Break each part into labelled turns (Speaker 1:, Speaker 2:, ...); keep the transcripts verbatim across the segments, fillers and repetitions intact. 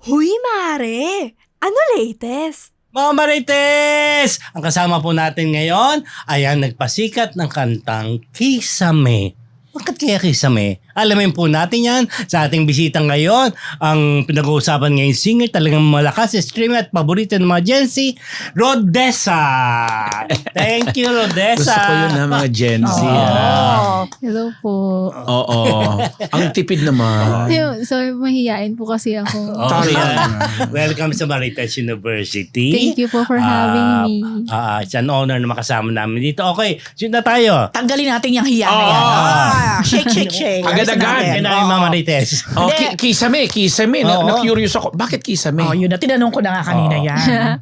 Speaker 1: Huy, Mare! Ano latest?
Speaker 2: Mga Marites! Ang kasama po natin ngayon ay ang nagpasikat ng kantang Kisame. Bakit kaya Kisame? Alamin po natin yan sa ating bisita ngayon. Ang pinag-uusapan ngayon singer, talagang malakas, streamer at paborito ng mga Gen Z, Rodessa! Thank you, Rodessa!
Speaker 3: Gusto ko yun na mga Gen Z.
Speaker 2: Oo.
Speaker 3: ah.
Speaker 4: Hello po.
Speaker 3: Oo. Ang tipid naman.
Speaker 4: Ayun, sorry, mahihain po kasi ako.
Speaker 2: Oh, yan. Welcome sa Marites University.
Speaker 4: Thank you po for having
Speaker 2: Ah,
Speaker 4: me.
Speaker 2: ah, it's an honor na makasama namin dito. Okay, shoot na tayo.
Speaker 5: Tanggalin natin yung hiya na yan.
Speaker 2: Ah.
Speaker 5: Ah, shake, shake, shake.
Speaker 3: Agad-agad.
Speaker 2: Kaya na yung mga Marites.
Speaker 3: Oh,
Speaker 5: Hindi.
Speaker 3: ki- kisame, kisame. Na,
Speaker 2: Oo.
Speaker 3: na-curious ako. Bakit kisame?
Speaker 5: Oh, yun na. Tinanong ko na nga kanina
Speaker 2: Oo.
Speaker 5: yan.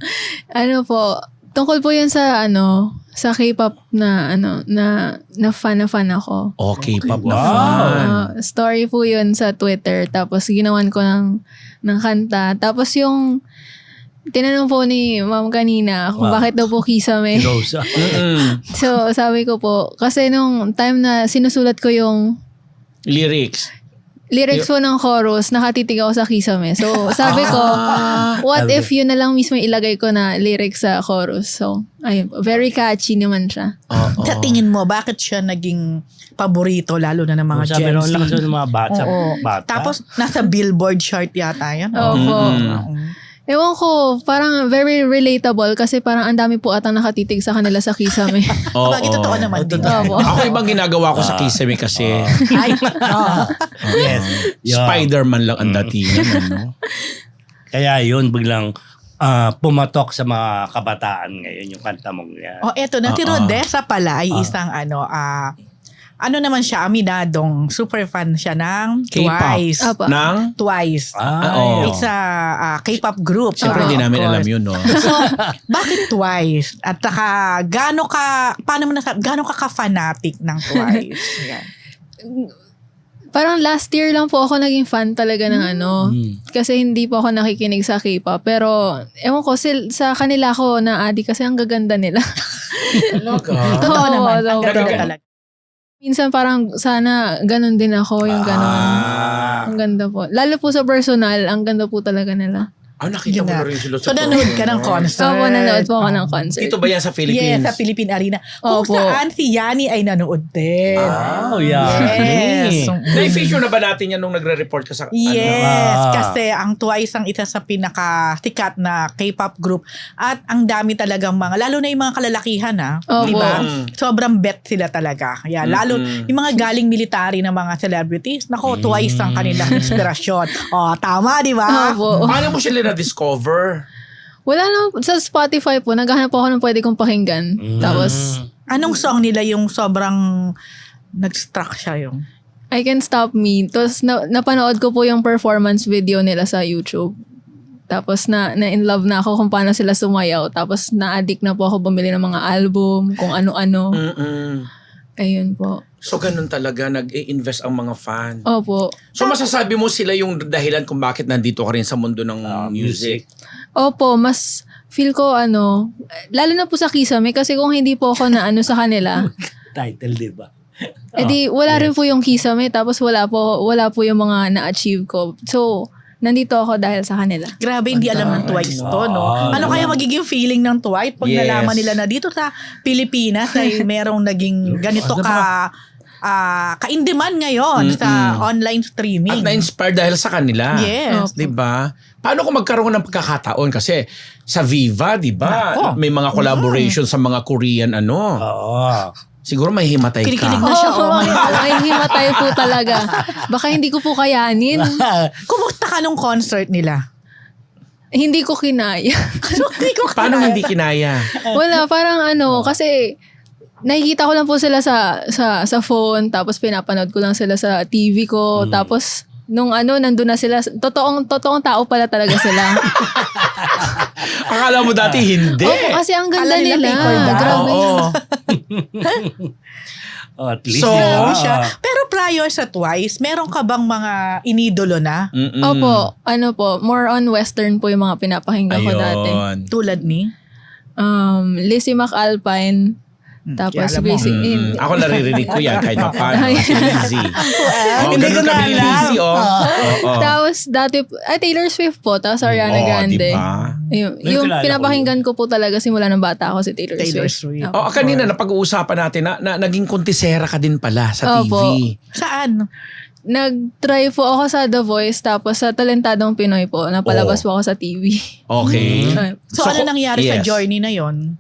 Speaker 4: Ano po, tungkol po yun sa ano, sa K-pop na ano, na na fan na fan ako.
Speaker 3: Okay, pop na
Speaker 2: Wow.
Speaker 3: fan.
Speaker 4: Ah, story po yun sa Twitter. Tapos ginawan ko ng, ng kanta. Tapos yung tinanong po ni ma'am kanina kung
Speaker 2: Wow.
Speaker 4: bakit daw po Kisame.
Speaker 2: Rosa.
Speaker 3: Mm-mm.
Speaker 4: So sabi ko po, kasi nung time na sinusulat ko yung
Speaker 3: Lyrics.
Speaker 4: lyrics po ng chorus, nakatitig ako sa Kisame. So, sabi ko, what
Speaker 2: Sabi.
Speaker 4: if yun na lang mismo ilagay ko na lyrics sa chorus? So, ayun po. Very catchy naman siya.
Speaker 3: Oo.
Speaker 5: Sa tingin mo, bakit siya naging paborito lalo na ng mga
Speaker 2: Sabi
Speaker 5: Gen
Speaker 2: ron
Speaker 5: Z?
Speaker 2: lang sa mga bata.
Speaker 5: Oo.
Speaker 2: bata.
Speaker 5: Tapos, nasa Billboard chart yata yan.
Speaker 4: Opo.
Speaker 3: Mm-mm.
Speaker 4: Ewan ko, parang very relatable kasi parang ang dami po atang nakatitig sa kanila sa Kisame.
Speaker 3: Oo.
Speaker 5: Bagay, totoo naman din.
Speaker 4: Opo.
Speaker 3: Ako ibang ginagawa ko sa kisame kasi
Speaker 5: Ay, oh.
Speaker 2: Yes. Yun.
Speaker 3: Spider-Man lang ang datingan. Ano?
Speaker 2: Kaya yun, biglang ah, pumatok sa mga kabataan ngayon yung kanta mong yan.
Speaker 5: Oh, eto na. Si
Speaker 3: Oo.
Speaker 5: Rodessa pala ay isang ano, ah, ano naman siya, aminadong super fan siya ng
Speaker 3: K-pop.
Speaker 5: Twice.
Speaker 4: Opo.
Speaker 3: Nang?
Speaker 5: Twice.
Speaker 2: Ah,
Speaker 3: Oo.
Speaker 5: It's a ah, K-pop group.
Speaker 3: Siyempre,
Speaker 5: Ah,
Speaker 3: hindi
Speaker 5: of
Speaker 3: namin
Speaker 5: course.
Speaker 3: alam yun, no?
Speaker 5: So, bakit Twice? At saka, gaano ka, paano mo nasabi, gaano ka ka-fanatic ng Twice? Yan.
Speaker 4: Parang last year lang po ako naging fan talaga ng ano.
Speaker 2: Mm.
Speaker 4: Kasi hindi po ako nakikinig sa K-pop. Pero, ewan ko, sil- sa kanila ako na-addict kasi ang gaganda nila.
Speaker 3: Talaga?
Speaker 5: Totoo
Speaker 4: Oo,
Speaker 5: naman. Ang
Speaker 4: totoo.
Speaker 5: ganda talaga.
Speaker 4: Minsan parang sana ganun din ako, yung ganun.
Speaker 2: Ah.
Speaker 4: Ang ganda po. Lalo po sa personal, ang ganda po talaga nila.
Speaker 3: Ah, nakita
Speaker 5: Yun
Speaker 3: mo
Speaker 5: nga.
Speaker 3: na rin sila
Speaker 5: So,
Speaker 3: sa
Speaker 5: nanood ka ng concert.
Speaker 4: So, po nanood po ako ng concert.
Speaker 3: Dito ba yan sa Philippines?
Speaker 5: Yes, sa Philippine Arena. Kung
Speaker 4: Opo.
Speaker 5: saan si Yani ay nanood din.
Speaker 2: Oh, yeah.
Speaker 5: Yes.
Speaker 3: Na-feature na ba natin yan nung nagre-report ka sa...
Speaker 5: Yes,
Speaker 2: Ah.
Speaker 5: kasi ang Twice ang isa sa pinaka-sikat na K-pop group at ang dami talagang mga, lalo na yung mga kalalakihan ha,
Speaker 4: Opo.
Speaker 5: di ba?
Speaker 3: Mm.
Speaker 5: Sobrang bet sila talaga. Yeah, lalo
Speaker 3: Mm-mm.
Speaker 5: yung mga galing military na mga celebrities, nako, Twice ang kanilang inspirasyon. Oh, tama, di ba?
Speaker 4: Opo.
Speaker 3: Paano mo sila na-discover?
Speaker 4: Wala lang, sa Spotify po, naghahanap po ako ng pwede kong pakinggan.
Speaker 2: Mm.
Speaker 4: Tapos,
Speaker 5: Anong song nila yung sobrang nag-struck siya yung?
Speaker 4: I Can Stop Me. Tapos, na, napanood ko po yung performance video nila sa YouTube. Tapos, na, na in love na ako kung paano sila sumayaw. Tapos, na-addict na po ako bumili ng mga album, kung ano-ano.
Speaker 3: Mm-mm.
Speaker 4: Ayun po.
Speaker 3: So, ganun talaga, nag-i-invest ang mga fan.
Speaker 4: Opo.
Speaker 3: So, masasabi mo sila yung dahilan kung bakit nandito ka rin sa mundo ng
Speaker 2: Ah,
Speaker 3: music.
Speaker 4: Opo, mas feel ko ano, lalo na po sa Kisame kasi kung hindi po ako na ano sa kanila,
Speaker 2: Title, di ba?
Speaker 4: edi wala rin po yung Kisame tapos wala po wala po yung mga na-achieve ko. So, nandito ako dahil sa kanila.
Speaker 5: Grabe, hindi alam ng Twice to, no?
Speaker 2: Ah,
Speaker 5: Ano kaya magiging feeling ng Twice pag
Speaker 3: Yes.
Speaker 5: nalaman nila na dito sa Pilipinas ay merong naging ganito ka ah ka-in-demand ngayon
Speaker 3: Mm-mm.
Speaker 5: sa online
Speaker 3: At
Speaker 5: streaming.
Speaker 3: na-inspire dahil sa kanila.
Speaker 5: Yes.
Speaker 3: Di ba? Paano kung magkaroon ng pagkakataon? Kasi sa Viva, di ba?
Speaker 5: Nako.
Speaker 3: May mga collaboration sa mga Korean ano.
Speaker 2: Oo.
Speaker 3: Siguro may himatay
Speaker 5: Kinikilig
Speaker 3: ka.
Speaker 5: na siya, oh my God.
Speaker 4: Ay, himatay po talaga. Baka hindi ko po kayanin.
Speaker 5: Kumusta ka nung concert nila?
Speaker 4: Hindi ko kinaya.
Speaker 5: Ano, hindi ko
Speaker 3: Paano
Speaker 5: kaya.
Speaker 3: hindi kinaya?
Speaker 4: Wala, parang ano, kasi nakikita ko lang po sila sa sa sa phone, tapos pinapanood ko lang sila sa T V ko, tapos nung ano, nandun na sila, totoong, totoong tao pala talaga sila.
Speaker 3: Akala mo dati hindi.
Speaker 4: Opo, kasi ang ganda
Speaker 5: Akala nila
Speaker 4: nila.
Speaker 5: paper doll.
Speaker 4: Grabe.
Speaker 3: Oo.
Speaker 2: Oh, at least.
Speaker 3: So,
Speaker 2: di ba?
Speaker 5: Grabe siya. Pero prior sa Twice, meron ka bang mga inidolo na?
Speaker 3: Mm-mm.
Speaker 4: Opo, ano po, more on western po yung mga pinapakinggan ko dati.
Speaker 3: Ayun.
Speaker 5: Tulad ni?
Speaker 4: Um, Lizzie McAlpine, Tapos
Speaker 5: Kaya alam mo.
Speaker 4: basic,
Speaker 3: Mm,
Speaker 4: in-
Speaker 3: ako naririnig ko yan kahit pa paano.
Speaker 4: Ay.
Speaker 3: Si Lizzy. Oh,
Speaker 2: Hindi
Speaker 3: ganun
Speaker 2: ko na
Speaker 3: kami
Speaker 2: alam.
Speaker 3: Lizzy, oh.
Speaker 2: Ah.
Speaker 3: Oo.
Speaker 4: Tapos dati, ay Taylor Swift po, tapos Ariana
Speaker 3: Oh,
Speaker 4: Grande.
Speaker 3: diba?
Speaker 4: Yung,
Speaker 2: May
Speaker 4: yung
Speaker 2: kilala ko
Speaker 4: pinapakinggan ko po talaga simula ng bata ako si Taylor,
Speaker 5: Taylor
Speaker 4: Swift.
Speaker 5: Swift.
Speaker 4: Opo.
Speaker 3: Oh, kanina napag-uusapan natin na, na naging kontisera ka din pala sa T V.
Speaker 4: Opo.
Speaker 5: Saan?
Speaker 4: Nag-try po ako sa The Voice, tapos sa Talentadong Pinoy po, napalabas
Speaker 3: Oh.
Speaker 4: po ako sa T V.
Speaker 3: Okay.
Speaker 4: Ay.
Speaker 5: So, ano
Speaker 3: ko-
Speaker 5: nangyari sa
Speaker 3: yes.
Speaker 5: journey na yon?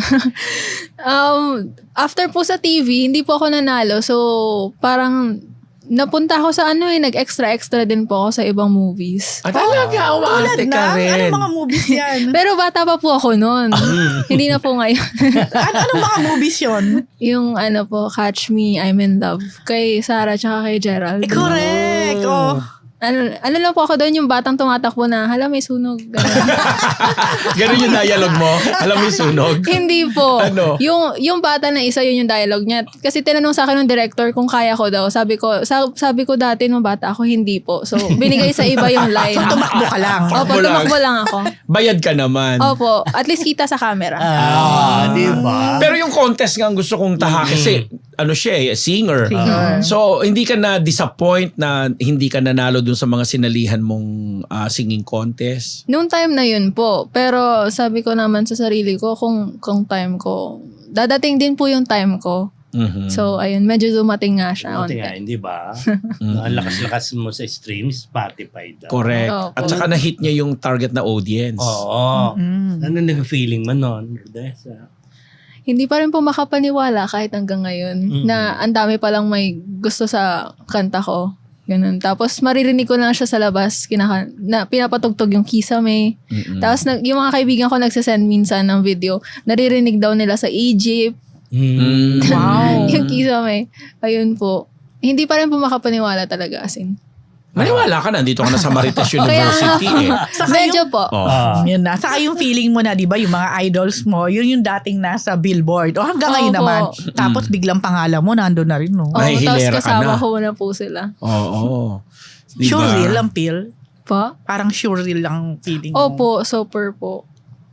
Speaker 4: Um, after po sa T V, hindi po ako nanalo. So, parang napunta ako sa ano eh, nag-extra-extra din po ako sa ibang movies.
Speaker 3: Ah, talaga,
Speaker 5: Tulad
Speaker 3: umaarte
Speaker 5: na?
Speaker 3: ka rin.
Speaker 5: Anong mga movies yan?
Speaker 4: Pero bata pa po ako noon. Hindi na po ngayon.
Speaker 5: ano, anong mga movies yon?
Speaker 4: Yung ano po, Catch Me, I'm in Love. Kay Sarah tsaka kay Gerald.
Speaker 5: Eh, correct. Oh.
Speaker 4: Ano, ano lang po ako doon, yung batang tumatakbo na, hala may sunog. Ganun.
Speaker 3: Ganun yung dialogue mo? Alam mo yung sunog?
Speaker 4: Hindi po.
Speaker 3: Ano?
Speaker 4: Yung, yung bata na isa, yun yung dialogue niya. Kasi tinanong sa akin ng director kung kaya ko daw. Sabi ko, sa, sabi ko dati nung bata ako, hindi po. So, binigay sa iba yung line.
Speaker 5: So, tumakbo ka lang.
Speaker 4: Opo,
Speaker 3: Tumakbo lang.
Speaker 4: tumakbo lang ako.
Speaker 3: Bayad ka naman.
Speaker 4: Opo, at least kita sa camera.
Speaker 2: Ah, di ba?
Speaker 3: Pero yung contest nga ang gusto kong tahakin kasi ano siya eh, singer.
Speaker 5: Singer.
Speaker 3: So, hindi ka na disappoint na hindi ka nanalo dun sa mga sinalihan mong ah, singing contest?
Speaker 4: Noong time na yun po. Pero sabi ko naman sa sarili ko, kung, kung time ko, dadating din po yung time ko.
Speaker 3: Mhm.
Speaker 4: So, ayun, medyo dumating nga siya.
Speaker 2: Buti
Speaker 4: onte.
Speaker 2: nga, hindi ba? Ang lakas-lakas mo sa streams, Spotify daw.
Speaker 3: Correct.
Speaker 4: Opo.
Speaker 3: At saka na-hit niya yung target na audience.
Speaker 2: Oo.
Speaker 5: Mm.
Speaker 2: Ano nag-feeling mo nun? Desa?
Speaker 4: Hindi pa rin po makapaniwala kahit hanggang ngayon
Speaker 2: Mm.
Speaker 4: na ang dami palang may gusto sa kanta ko. Ganun. Tapos maririnig ko lang siya sa labas, kinaka- na pinapatugtog yung Kisame.
Speaker 3: Mm-mm.
Speaker 4: Tapos nag- yung mga kaibigan ko nagsasend minsan ng video, naririnig daw nila sa Egypt,
Speaker 3: Mm.
Speaker 5: Wow.
Speaker 4: yung Kisame. Ayun po. Hindi pa rin po makapaniwala talaga as in.
Speaker 3: Maniwala ka na, dito ka na sa Marites
Speaker 4: Kaya
Speaker 3: University eh.
Speaker 5: Saka
Speaker 4: medyo
Speaker 5: yung,
Speaker 4: po.
Speaker 3: Oh.
Speaker 2: Ah.
Speaker 5: yun na. Saka yung feeling mo na, di ba, yung mga idols mo, yun yung dating nasa billboard. O hanggang ngayon
Speaker 4: Opo.
Speaker 5: naman. Tapos biglang pangalan mo, nandun na rin, no?
Speaker 4: Oo,
Speaker 3: May
Speaker 4: tapos
Speaker 3: hilera ka
Speaker 4: kasama
Speaker 3: na.
Speaker 4: ko na po sila.
Speaker 3: Oo. Diba?
Speaker 5: Sure real ang feel.
Speaker 4: Pa?
Speaker 5: Parang sure real ang feeling mo.
Speaker 4: Opo, super po.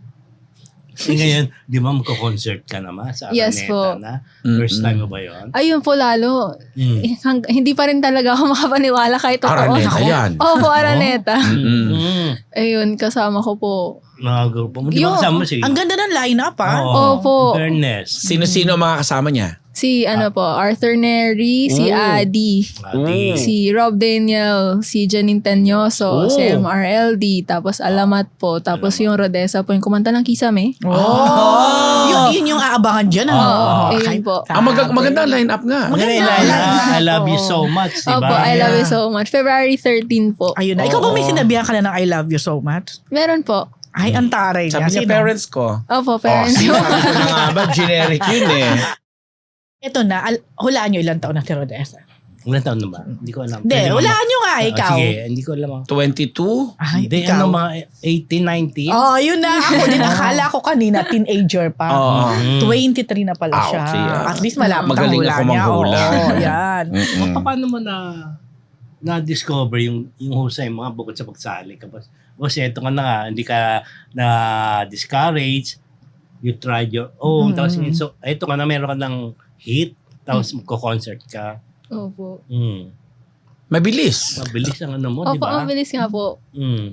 Speaker 2: Eh, ngayon, di ba magko-concert ka naman sa Araneta
Speaker 4: Yes po.
Speaker 2: na? First
Speaker 3: Mm-mm.
Speaker 2: time mo ba yun?
Speaker 4: Ayun po lalo.
Speaker 2: Mm.
Speaker 4: Eh, hang- hindi pa rin talaga ako makapaniwala kahit totoo.
Speaker 3: Araneta yan.
Speaker 4: Opo, Araneta.
Speaker 3: Mm-mm.
Speaker 2: Mm.
Speaker 4: Ayun, kasama ko po.
Speaker 2: Mga grupo mo. Di ba
Speaker 4: Yung-
Speaker 2: kasama si?
Speaker 5: Ang ganda ng lineup, ah.
Speaker 2: Oo.
Speaker 4: Opo.
Speaker 2: Fairness.
Speaker 3: Sino-sino ang mga kasama niya?
Speaker 4: Si ano po, Arthur Neri, si
Speaker 3: Oh.
Speaker 4: Adi,
Speaker 2: Ati.
Speaker 4: si Rob Daniel, si Janine Tanyoso,
Speaker 3: Oh.
Speaker 4: si M R L D, tapos Alamat po, tapos yung Rodessa po, yung kumanta ng Kisame.
Speaker 5: Oh! Yun, yun yung aabangan dyan, ano?
Speaker 4: Oo,
Speaker 5: Oh,
Speaker 4: ayun
Speaker 5: kahit-
Speaker 4: po.
Speaker 3: Ah, mag- maganda ang line-up nga.
Speaker 2: Maganda yung
Speaker 5: Maganda.
Speaker 2: line, I love you
Speaker 5: Oo.
Speaker 2: so much, di ba?
Speaker 4: Opo, I love you so much. February thirteenth po.
Speaker 5: Ayun na. Ikaw ba may
Speaker 3: Oo.
Speaker 5: sinabihan ka na ng I love you so much?
Speaker 4: Meron po.
Speaker 5: Ay, ang taray
Speaker 3: Sabi
Speaker 5: niya.
Speaker 3: niya,
Speaker 5: Sino?
Speaker 3: parents ko.
Speaker 4: Opo,
Speaker 3: Oh,
Speaker 4: parents.
Speaker 3: sino? Sabi ko na nga ba, generic yun eh.
Speaker 5: Ito na, al- hulaan nyo ilang taon na si Rodessa.
Speaker 2: Ilan taon na ba? Hindi ko alam.
Speaker 5: Hindi,
Speaker 2: Pwede
Speaker 5: hulaan nyo nga,
Speaker 2: Ah,
Speaker 5: ikaw.
Speaker 2: Sige, hindi ko alam.
Speaker 3: twenty-two?
Speaker 5: Ay,
Speaker 2: Hindi,
Speaker 5: ikaw.
Speaker 2: ano mga eighteen, nineteen?
Speaker 5: Oh, yun na. Ako din, akala ko kanina, teenager pa.
Speaker 3: Oo.
Speaker 2: Mm.
Speaker 5: twenty-three na pala
Speaker 3: Ah,
Speaker 5: siya.
Speaker 3: okay, ah.
Speaker 5: At least malapit ang
Speaker 3: Magaling
Speaker 5: hula
Speaker 3: ako
Speaker 5: niya.
Speaker 3: manghula.
Speaker 5: Oo, yan.
Speaker 3: Mm-mm.
Speaker 2: Pa- Paano mo na na-discover yung yung husay mo nga bukod sa pagsali? Kapag, o siya, ito ka na nga, hindi ka na-discourage, you tried your own,
Speaker 5: Mm.
Speaker 2: tapos yun, so, ito ka na, meron ka ng hit, tapos magko-concert ka.
Speaker 4: Opo.
Speaker 2: Mm.
Speaker 3: Mabilis.
Speaker 2: Mabilis ang ano mo, di
Speaker 4: Opo,
Speaker 2: ba?
Speaker 4: ang bilis nga po.
Speaker 2: Mm.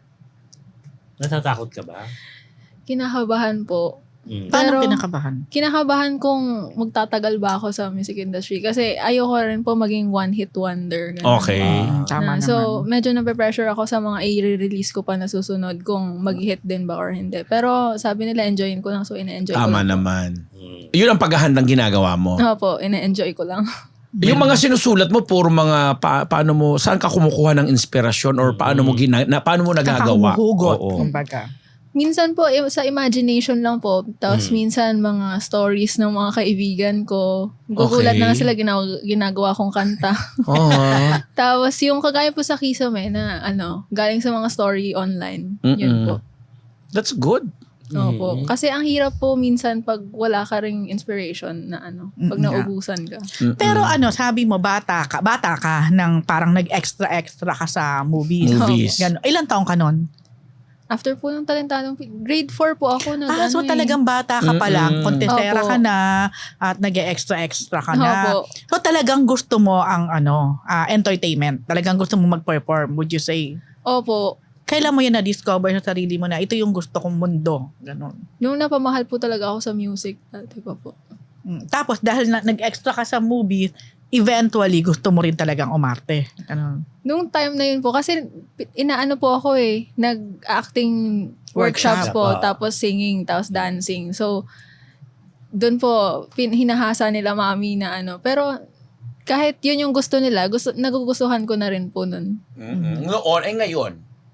Speaker 2: Natatakot ka ba?
Speaker 4: Kinakabahan po.
Speaker 2: Mm.
Speaker 5: Paano
Speaker 4: Pero-
Speaker 5: kinakabahan?
Speaker 4: Kinakabahan kung magtatagal ba ako sa music industry kasi ayoko rin po maging one-hit wonder. Ganun.
Speaker 3: Okay.
Speaker 5: Mm, tama
Speaker 4: Na,
Speaker 5: naman.
Speaker 4: so, medyo nape-pressure ako sa mga i-release ko pa na susunod kung mag-hit din ba or hindi. Pero sabi nila, enjoyin ko lang. So, ina-enjoy ko
Speaker 3: Tama
Speaker 4: lang.
Speaker 3: naman.
Speaker 2: Mm.
Speaker 3: Yun ang paghahandang ginagawa mo.
Speaker 4: Opo, ina-enjoy ko lang.
Speaker 3: Yung mga sinusulat mo, puro mga pa- paano mo, saan ka kumukuha ng inspirasyon or paano mo gina, na, paano mo nagagawa?
Speaker 5: Kakahumuhugot,
Speaker 3: Oo.
Speaker 5: kumbaga.
Speaker 4: Minsan po, i- sa imagination lang po. Tapos
Speaker 3: Mm.
Speaker 4: minsan, mga stories ng mga kaibigan ko. Gugulat
Speaker 3: Okay.
Speaker 4: na lang sila ginawa, ginagawa kong kanta.
Speaker 3: Oo.
Speaker 4: Tapos yung kagaya po sa Kisame na ano, galing sa mga story online. Yun
Speaker 3: Mm-mm.
Speaker 4: po.
Speaker 3: That's good.
Speaker 4: Opo.
Speaker 2: Mm.
Speaker 4: Kasi ang hirap po minsan pag wala ka ring inspiration na ano, pag
Speaker 5: Mm, nga.
Speaker 4: naubusan ka.
Speaker 3: Mm-mm.
Speaker 5: Pero ano, sabi mo, bata ka, bata ka, nang parang nag-extra-extra ka sa movies.
Speaker 3: Movies.
Speaker 5: Gano. Ilan taong ka nun?
Speaker 4: After po ng talentadong, Pi- grade four po ako nag
Speaker 5: Ah, so
Speaker 4: ano eh.
Speaker 5: talagang bata ka pa lang,
Speaker 3: Mm-mm.
Speaker 5: kontestera
Speaker 4: Opo.
Speaker 5: ka na, at nag-extra-extra ka na.
Speaker 4: Opo.
Speaker 5: So talagang gusto mo ang ano, ah, entertainment. Talagang gusto mo mag-perform, would you say?
Speaker 4: Opo.
Speaker 5: Kailan mo yan na-discover sa sarili mo na ito yung gusto kong mundo? Ganon.
Speaker 4: Nung napamahal po talaga ako sa music, dati pa po.
Speaker 5: Mm. Tapos dahil na, nag-extra ka sa movies, eventually gusto mo rin talagang umarte. Ganon.
Speaker 4: Nung time na yun po, kasi pi- inaano po ako eh, nag-acting workshops
Speaker 2: Workshop,
Speaker 4: po,
Speaker 2: ah.
Speaker 4: tapos singing, tapos dancing. So, doon po, pin- hinahasa nila mami na ano. Pero, kahit yun yung gusto nila, gusto, nagugustuhan ko na rin po nun.
Speaker 3: Mm-mm. Noon, eh ngayon.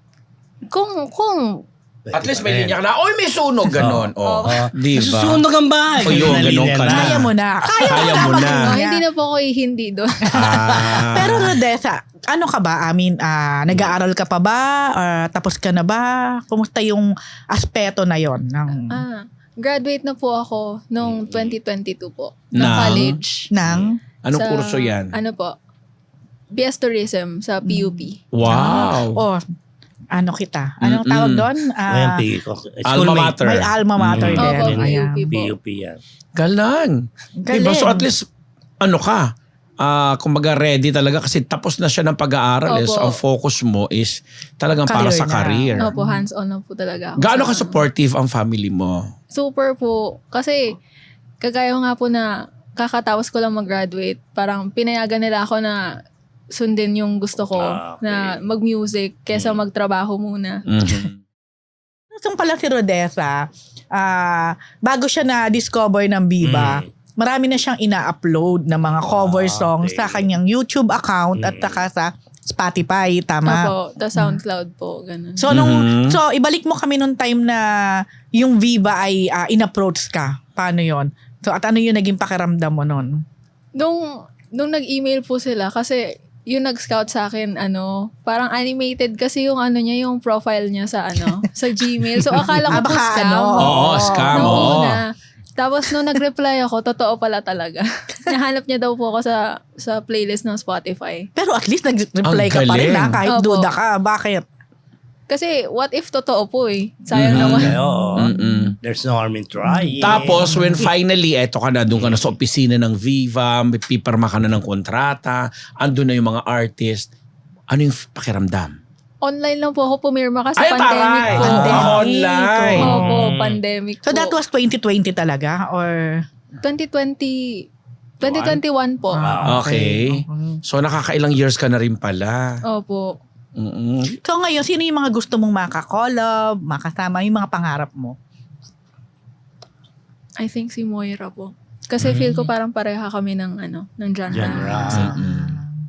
Speaker 4: Kung, kung,
Speaker 3: At least may linya ka na, oy, may sunog, ganon. Oh,
Speaker 2: Oh.
Speaker 3: di ba?
Speaker 2: Susunog ang bahay.
Speaker 3: O yun,
Speaker 2: Ganun
Speaker 3: ganun ka na.
Speaker 5: Kaya mo na. Kaya,
Speaker 3: Kaya mo na.
Speaker 4: oh, hindi na po ako hindi doon.
Speaker 3: Ah.
Speaker 5: Pero Rodessa, ano ka ba? I mean, ah, nag-aaral ka pa ba? Or tapos ka na ba? Kumusta yung aspeto na yon ng,
Speaker 4: ah, graduate na po ako noong twenty twenty-two po.
Speaker 3: Ng?
Speaker 4: Ng college.
Speaker 5: ng
Speaker 3: Anong
Speaker 4: Sa-
Speaker 3: kurso yan?
Speaker 4: Ano po? B S Tourism sa P U P.
Speaker 3: Wow.
Speaker 5: oh, ano kita? Anong
Speaker 3: Mm-mm.
Speaker 5: tawag doon?
Speaker 2: Ayan,
Speaker 5: Ah,
Speaker 2: P-
Speaker 3: Alma mater.
Speaker 5: may alma mater
Speaker 2: Mm.
Speaker 5: din.
Speaker 4: Opo,
Speaker 5: Ayan.
Speaker 4: P U P.
Speaker 2: P U P yan.
Speaker 3: Galang.
Speaker 5: Galing.
Speaker 3: Diba? So at least, ano ka, ah kumbaga ready talaga kasi tapos na siya ng pag-aaral. Eh.
Speaker 4: Opo.
Speaker 3: So ang focus mo is talagang para
Speaker 5: Career
Speaker 3: sa
Speaker 5: na.
Speaker 3: career.
Speaker 4: Opo, hands-on na po talaga ako.
Speaker 3: Gaano ka
Speaker 4: sa-
Speaker 3: supportive ang family mo?
Speaker 4: Super po. Kasi, kagaya nga po na kakatapos ko lang mag-graduate, parang pinayagan nila ako na sundin yung gusto ko
Speaker 2: Ah, okay.
Speaker 4: na mag-music kesa magtrabaho muna.
Speaker 3: Mhm.
Speaker 5: Itong pala si Rodessa, ah, bago siya na-discover ng Viva,
Speaker 2: Mm.
Speaker 5: marami na siyang ina-upload na mga cover
Speaker 2: Ah,
Speaker 5: songs
Speaker 2: okay.
Speaker 5: sa kanyang YouTube account at
Speaker 2: Mm.
Speaker 5: saka sa Spotify, tama?
Speaker 4: Opo, the SoundCloud po, ganun.
Speaker 5: So nung
Speaker 3: Mhm.
Speaker 5: so ibalik mo kami nung time na yung Viva ay ah, in-approach ka. Paano 'yon? So at ano yung naging pakiramdam mo noon?
Speaker 4: Nung, nung nag-email po sila, kasi yung nag-scout sa akin, ano, parang animated kasi yung ano niya, yung profile niya sa ano, sa Gmail. So akala ko
Speaker 5: Ah,
Speaker 4: po
Speaker 5: baka
Speaker 4: scam.
Speaker 5: ano.
Speaker 3: Oo, scam.
Speaker 4: Nung
Speaker 3: oo.
Speaker 4: una. Tapos nung nag-reply ako, totoo pala talaga. Nahanap niya daw po ako sa sa playlist ng Spotify.
Speaker 5: Pero at least nag-reply
Speaker 3: Ang
Speaker 5: ka pa rin
Speaker 3: galing.
Speaker 5: na kahit
Speaker 4: Opo.
Speaker 5: duda ka. Bakit?
Speaker 4: Kasi what if totoo po eh? Sayang
Speaker 3: Mhm.
Speaker 4: naman.
Speaker 2: Okay, oo.
Speaker 3: Mm-mm.
Speaker 2: There's no harm in trying.
Speaker 3: Tapos when finally, eto ka na, doon ka na sa opisina ng Viva, may pipirma ka na ng kontrata, andun na yung mga artist, ano yung pakiramdam?
Speaker 4: Online lang po ako pumirma kasi
Speaker 3: Ay,
Speaker 4: pandemic
Speaker 3: taray!
Speaker 4: po.
Speaker 5: Pandemic.
Speaker 3: Ah, online.
Speaker 4: Opo,
Speaker 2: Mm.
Speaker 4: pandemic
Speaker 5: So
Speaker 4: po.
Speaker 5: that was twenty twenty talaga or
Speaker 4: twenty twenty, twenty twenty-one po.
Speaker 2: Ah,
Speaker 3: Okay.
Speaker 5: Mhm.
Speaker 3: So nakakailang years ka na rin pala.
Speaker 4: Opo.
Speaker 3: Mm-mm.
Speaker 5: So ngayon, sino yung mga gusto mong makakollab, makasama, yung mga pangarap mo?
Speaker 4: I think si Moira po. Kasi feel ko parang pareha kami ng ano, ng genre.
Speaker 2: Genre.
Speaker 3: Mm-mm.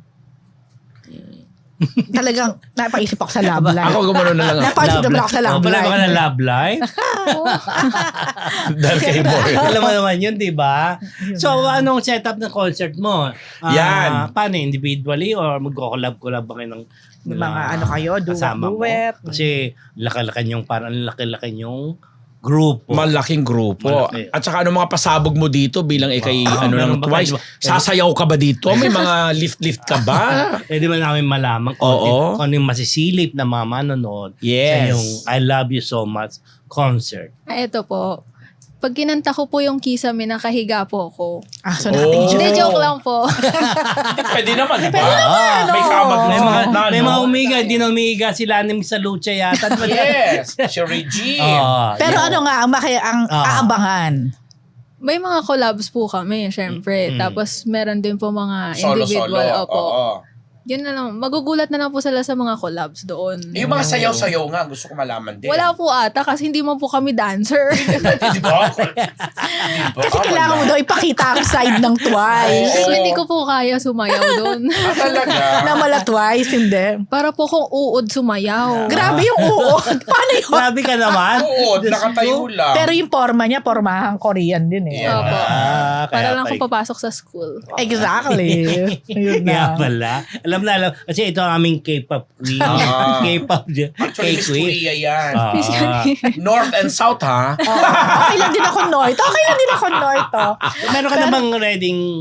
Speaker 5: Talagang napaisip ako sa love life.
Speaker 3: Ako gumano na lang ako.
Speaker 5: Napaisip naman ako sa love
Speaker 2: Oh, pala
Speaker 5: life.
Speaker 2: ka na love life?
Speaker 3: Dahil kay Moira.
Speaker 2: Alam mo naman yun, di ba? So, anong setup ng concert mo? Ah,
Speaker 3: Yan.
Speaker 2: Paano? Individually or magko-collab-collab ba kayo ng
Speaker 5: Yung mga ano kayo, duet,
Speaker 2: kasama mo?
Speaker 5: duet.
Speaker 2: Kasi laki-laki yung parang laki-laki yung grupo.
Speaker 3: Malaking grupo.
Speaker 2: Malaki.
Speaker 3: At saka ano mga pasabog mo dito bilang ikay
Speaker 2: Ah,
Speaker 3: ano
Speaker 2: meron
Speaker 3: ng
Speaker 2: ba
Speaker 3: twice.
Speaker 2: kayo?
Speaker 3: Sasayaw ka ba dito? May mga lift-lift ka ba?
Speaker 2: Eh, di ba namin malaman kung,
Speaker 3: Oo.
Speaker 2: kung ano yung masisilip na mga manonood sa
Speaker 3: Yes.
Speaker 2: yung I Love You So Much concert.
Speaker 4: Ah, eto po. Pag kinanta ko po yung Kisame, nakahiga po ako.
Speaker 5: Ah, so
Speaker 3: Oh.
Speaker 5: nakatingin
Speaker 4: Hindi,
Speaker 5: siya.
Speaker 4: joke lang po.
Speaker 3: Pwede naman, di ba?
Speaker 2: Ah,
Speaker 3: May kamag
Speaker 2: may mga,
Speaker 3: na,
Speaker 2: may
Speaker 3: no?
Speaker 2: mga umiga, di na umiga sila ni sa Lucha yata.
Speaker 3: Yes, si Regine.
Speaker 2: Oh,
Speaker 5: Pero
Speaker 2: yeah.
Speaker 5: ano nga, ang, maki, ang
Speaker 2: Ah.
Speaker 5: aabangan.
Speaker 4: May mga collabs po kami, syempre.
Speaker 2: Mm.
Speaker 4: Tapos meron din po mga
Speaker 3: Solo-solo.
Speaker 4: individual. Opo.
Speaker 3: Oo.
Speaker 4: Yun na lang. Magugulat na lang po sila sa mga collabs doon.
Speaker 3: Yung mga sayaw-sayaw nga, gusto ko malaman din.
Speaker 4: Wala po ata kasi hindi mo po kami dancer.
Speaker 3: Di ba? Di ba?
Speaker 5: Kasi kailangan mo daw ipakita ang side ng twice.
Speaker 4: so hindi ko po kaya sumayaw doon.
Speaker 3: Ah, talaga?
Speaker 5: Na mala twice, hindi.
Speaker 4: Para po kung uod sumayaw.
Speaker 5: Grabe yung uod. Paano yun?
Speaker 2: Grabe ka naman.
Speaker 3: Oo,
Speaker 2: Diyos
Speaker 3: nakatayo
Speaker 2: ko.
Speaker 3: lang.
Speaker 5: Pero yung forma niya, pormahang Korean din eh.
Speaker 3: Yeah.
Speaker 4: Opo.
Speaker 2: Ah,
Speaker 4: Para
Speaker 2: kaya
Speaker 4: lang
Speaker 2: pa-
Speaker 4: ako papasok sa school.
Speaker 5: Exactly. Yun
Speaker 2: Kaya
Speaker 5: na.
Speaker 2: pala. Alam na alam. Kasi ito ang aming K-pop queen.
Speaker 3: Ah.
Speaker 2: K-pop
Speaker 3: Actually, Miss
Speaker 2: K-queen.
Speaker 3: Kuya yan.
Speaker 2: Ah.
Speaker 3: North and South, ha?
Speaker 5: Oo. Okay lang din ako North. Okay lang din ako North. Oh.
Speaker 2: Meron ka na bang reading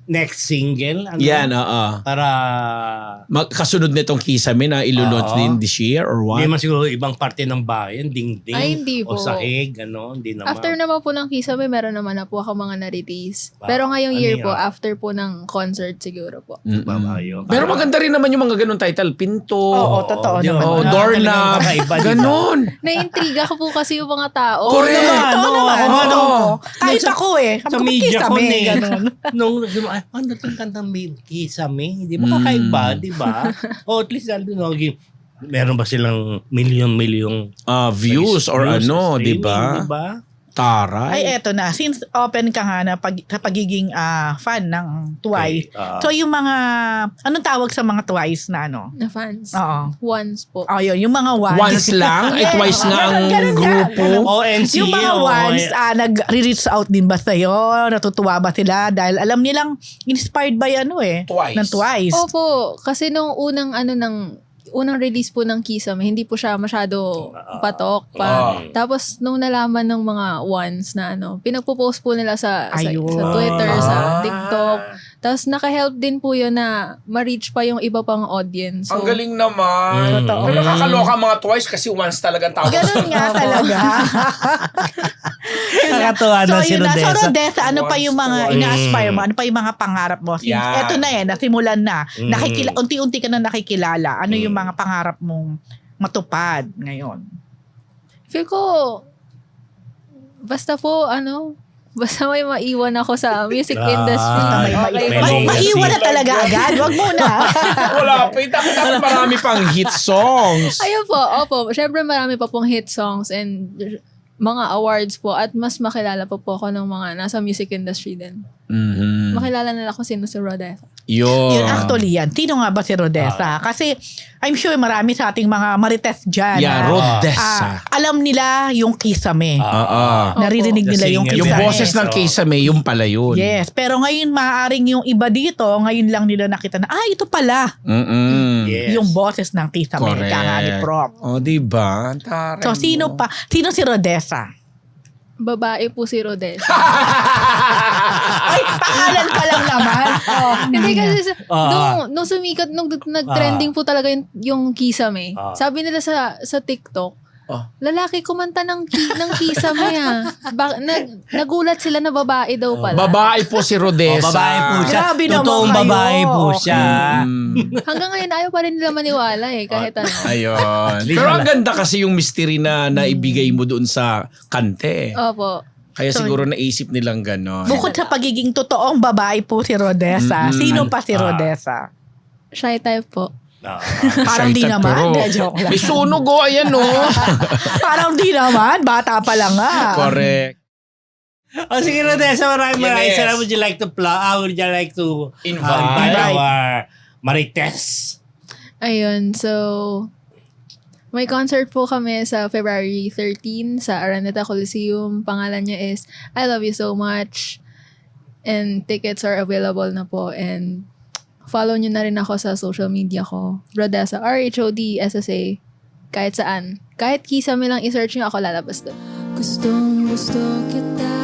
Speaker 2: next single. Ano?
Speaker 3: Yan, oo.
Speaker 2: Para
Speaker 3: Mag- Kasunod nitong Kisame na ilo-launch
Speaker 2: Oo.
Speaker 3: din this year or what?
Speaker 2: hindi man siguro ibang parte ng bayan, dingding
Speaker 4: Ay, hindi
Speaker 2: o
Speaker 4: po.
Speaker 2: sahig, ano, hindi naman.
Speaker 4: After naman po ng Kisame, meron naman na po ako mga na-release.
Speaker 2: Wow.
Speaker 4: Pero ngayong
Speaker 2: Ano
Speaker 4: year
Speaker 2: yan?
Speaker 4: po, after po ng concert siguro po.
Speaker 3: Mm-mm.
Speaker 2: Babayo.
Speaker 3: Pero maganda rin naman yung mga ganun title. Pinto.
Speaker 5: Oo, totoo
Speaker 2: di ba?
Speaker 5: naman.
Speaker 3: Oh,
Speaker 2: Wala
Speaker 3: doorknob.
Speaker 2: talagang kakaiba, di ba?
Speaker 3: Ganon.
Speaker 4: Naiintriga ko po kasi yung mga tao.
Speaker 3: Correct.
Speaker 2: naman,
Speaker 5: Totoo
Speaker 2: no,
Speaker 5: naman.
Speaker 2: ako nga, no.
Speaker 5: Oo. Kahit
Speaker 2: Sa-
Speaker 5: ako eh.
Speaker 2: Sa
Speaker 5: Kapag
Speaker 2: media ko
Speaker 5: kisame,
Speaker 2: eh.
Speaker 5: ganun.
Speaker 2: Nung, ay, ano itong kantang may kisame? Di ba
Speaker 3: Mm.
Speaker 2: kakaiba, di ba? O at least, ano, no, gi- meron ba silang milyon-milyong
Speaker 3: Ah, views or
Speaker 2: views,
Speaker 3: ano, di
Speaker 2: streaming,
Speaker 3: ba?
Speaker 2: Di ba?
Speaker 3: Taray.
Speaker 5: Ay, eto na. Since open ka nga na pag, sa pagiging ah, fan ng Twice,
Speaker 2: Okay, ah.
Speaker 5: so yung mga, anong tawag sa mga Twice na ano?
Speaker 4: Na fans.
Speaker 5: Oo.
Speaker 4: Once po.
Speaker 5: Oh, yun, yung mga ones.
Speaker 3: Once lang? Ay,
Speaker 5: Yes.
Speaker 3: twice nga ang
Speaker 5: Ganun, ganun nga.
Speaker 3: grupo.
Speaker 2: O N C.
Speaker 5: Yung mga
Speaker 2: o-
Speaker 5: ones, ah, nag-reach out din ba sa'yo? Natutuwa ba sila? Dahil alam nilang inspired by ano eh.
Speaker 3: Twice.
Speaker 5: Ng Twice.
Speaker 4: Opo, kasi nung unang ano ng unang release po ng Kisame, hindi po siya masyado patok pa.
Speaker 3: Ah.
Speaker 4: Tapos nung nalaman ng mga ones na ano, pinagpo-post po nila sa sa,
Speaker 5: Ayun.
Speaker 4: sa Twitter, sa
Speaker 3: Ah.
Speaker 4: TikTok. Tapos naka-help din po yun na ma-reach pa yung iba pang audience. So,
Speaker 3: Ang galing naman.
Speaker 2: Mm.
Speaker 5: Totoo.
Speaker 3: Pero nakakaloka ang mga twice kasi once talagang tawag.
Speaker 5: Ganun nga talaga.
Speaker 2: Nakakatuwa
Speaker 5: so,
Speaker 2: na si
Speaker 5: yun na. So,
Speaker 2: Rodessa.
Speaker 5: Rodessa, ano pa yung mga
Speaker 3: Once,
Speaker 5: ina-aspire mo? Ano pa yung mga pangarap mo? Since,
Speaker 3: Yan.
Speaker 5: eto na eh, nasimulan na.
Speaker 2: Mm.
Speaker 5: Nakikila, unti-unti ka na nakikilala. Ano yung
Speaker 2: Mm.
Speaker 5: mga pangarap mong matupad ngayon?
Speaker 4: feel ko, basta po, ano, basta may maiwan ako sa music
Speaker 2: Ah,
Speaker 4: industry.
Speaker 5: May,
Speaker 2: Okay,
Speaker 5: may,
Speaker 2: may
Speaker 5: may,
Speaker 2: legacy.
Speaker 5: maiwan na talaga agad. Wag muna.
Speaker 3: Wala pa. Dapat dapat marami pang hit songs.
Speaker 4: Ayun po, opo. Siyempre marami pa pong hit songs and mga awards po at mas makilala pa po ako ng mga nasa music industry din.
Speaker 3: Mhm.
Speaker 4: Makilala nila kung sino si Rodessa.
Speaker 3: Yun.
Speaker 5: Yun, actually yan. Sino nga ba si Rodessa? Kasi I'm sure marami sa ating mga marites dyan.
Speaker 3: Yeah,
Speaker 5: na,
Speaker 3: Rodessa.
Speaker 5: ah, alam nila yung Kisame.
Speaker 2: Ah.
Speaker 3: Oo.
Speaker 5: Naririnig
Speaker 2: The
Speaker 5: nila yung
Speaker 2: singer.
Speaker 3: Yung
Speaker 5: Kisame.
Speaker 3: boses ng Kisame, yung pala yun.
Speaker 5: Yes, pero ngayon maaaring yung iba dito, ngayon lang nila nakita na, ah, ito pala.
Speaker 3: Mm-mm.
Speaker 2: Yes.
Speaker 5: Yung boses ng Kisame.
Speaker 3: Correct.
Speaker 5: Kaya ni Prop.
Speaker 3: O, diba? Ang taray
Speaker 5: So, sino
Speaker 3: mo.
Speaker 5: pa? Sino si Rodessa?
Speaker 4: Babae po si Rodessa.
Speaker 5: Ay, pangalan pa lang naman. Oh,
Speaker 4: Hindi kasi sa,
Speaker 2: Ah.
Speaker 4: nung, nung sumikat, nung nag-trending po talaga yung, yung Kisame,
Speaker 2: Ah.
Speaker 4: sabi nila sa sa TikTok,
Speaker 3: Ah.
Speaker 4: lalaki kumanta ng, ki- ng Kisame ah. Ba- nag, nagulat sila na babae daw pala.
Speaker 3: Babae po si
Speaker 2: O,
Speaker 3: Rodessa.
Speaker 2: babae po siya.
Speaker 5: Grabe naman
Speaker 2: Totoong
Speaker 5: kayo.
Speaker 2: babae po siya.
Speaker 3: Mm.
Speaker 4: Hanggang ngayon, ayaw pa rin nila maniwala eh, kahit ano.
Speaker 3: Ayun.
Speaker 2: Di
Speaker 3: Pero
Speaker 2: ba
Speaker 3: ang
Speaker 2: lang?
Speaker 3: ganda kasi yung mystery na naibigay mo doon sa kante.
Speaker 4: Opo.
Speaker 3: Kaya
Speaker 5: So,
Speaker 3: siguro naisip nilang gano'n.
Speaker 5: Bukod sa pagiging totoong babae po si Rodessa,
Speaker 3: Mm-mm.
Speaker 5: sino pa si
Speaker 2: Ah.
Speaker 5: Rodessa?
Speaker 4: Shy type po.
Speaker 2: Ah.
Speaker 5: Parang di
Speaker 3: Excited,
Speaker 5: naman.
Speaker 3: pero
Speaker 5: Hindi, joke lang.
Speaker 3: May sunog o, ayan o.
Speaker 5: Parang di naman. Bata pa lang nga.
Speaker 3: Correct.
Speaker 2: O sige, Rodessa, maraming
Speaker 3: Yes.
Speaker 2: maraming salamat. Would you like to plug? Uh, would you like to
Speaker 3: Invite.
Speaker 2: uh, invite
Speaker 5: Invite.
Speaker 2: our Marites?
Speaker 4: Ayun, so may concert po kami sa February thirteenth sa Araneta Coliseum. Pangalan niya is I Love You So Much. And tickets are available na po. And follow nyo na rin ako sa social media ko. Rodessa, R H O D S S A. Kahit saan. Kahit Kisame lang i-search nyo, ako lalabas doon.
Speaker 6: Gustong gusto kita,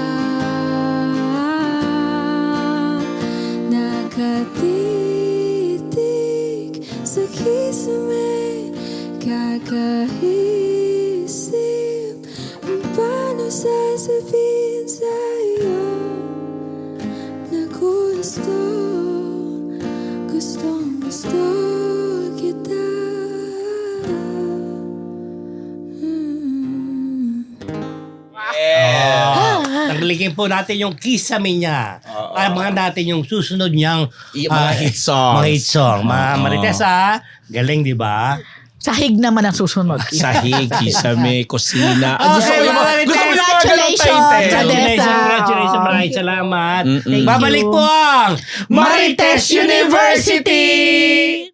Speaker 6: nakatitig sa kisame, kakaisip kung paano sasabihin sa'yo na gusto, gustong gusto kita. Mm.
Speaker 2: Oh, taglikin po natin yung kisame niya.
Speaker 3: Oo.
Speaker 2: Abangan natin yung susunod niyang
Speaker 3: Yung mga
Speaker 2: ah,
Speaker 3: hit songs.
Speaker 2: Mga hit song. Mga
Speaker 3: Oo.
Speaker 2: Marites, ah. Galing, di ba?
Speaker 5: Sahig naman ang susunod.
Speaker 3: Sahig, kisame, kusina.
Speaker 2: Okay,
Speaker 3: gusto ko yung mga,
Speaker 2: maraming
Speaker 3: gusto ko yung mga ganun
Speaker 5: congratulations,
Speaker 3: title.
Speaker 5: Rodessa.
Speaker 2: Congratulations, congratulations.
Speaker 5: Oo.
Speaker 2: Maraming salamat.
Speaker 3: Mm-mm.
Speaker 5: Thank
Speaker 2: Babalik
Speaker 5: you.
Speaker 2: po ang
Speaker 5: Marites University!